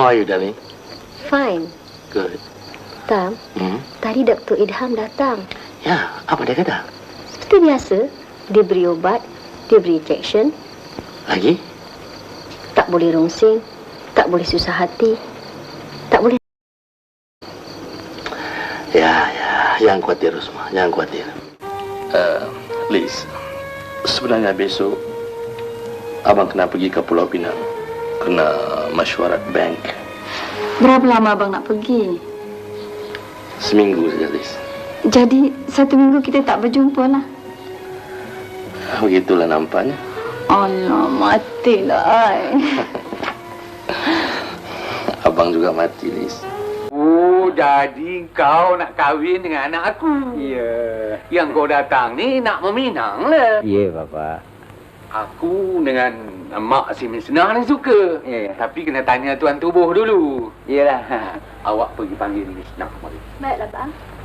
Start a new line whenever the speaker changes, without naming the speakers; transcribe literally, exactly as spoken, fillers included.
How are you, darling?
Fine.
Good.
Tam,
Hmm?
tadi Doktor Idham datang.
Ya, apa dia kata?
Seperti biasa, dia beri obat, dia beri injection.
Lagi?
Tak boleh rungsing, tak boleh susah hati, tak boleh...
Ya, ya, jangan khawatir, Rosma, jangan khawatir. Uh, Liz, sebenarnya besok abang kena pergi ke Pulau Pinang, kena mesyuarat bank.
Berapa lama abang nak pergi?
Seminggu saja, Liz.
Jadi satu minggu kita tak berjumpa lah.
Begitulah nampaknya.
Allah, matilah ai.
Abang juga mati, Liz.
Oh, jadi kau nak kahwin dengan anak aku?
Ya.
Yang kau datang ni nak meminang lah.
Ya, Bapa.
Aku dengan mak si Misnah ni suka.
Ya, ya.
Tapi kena tanya tuan tubuh dulu.
Iyalah.
Awak pergi panggil Misnah. Mari.
Baiklah, Bang.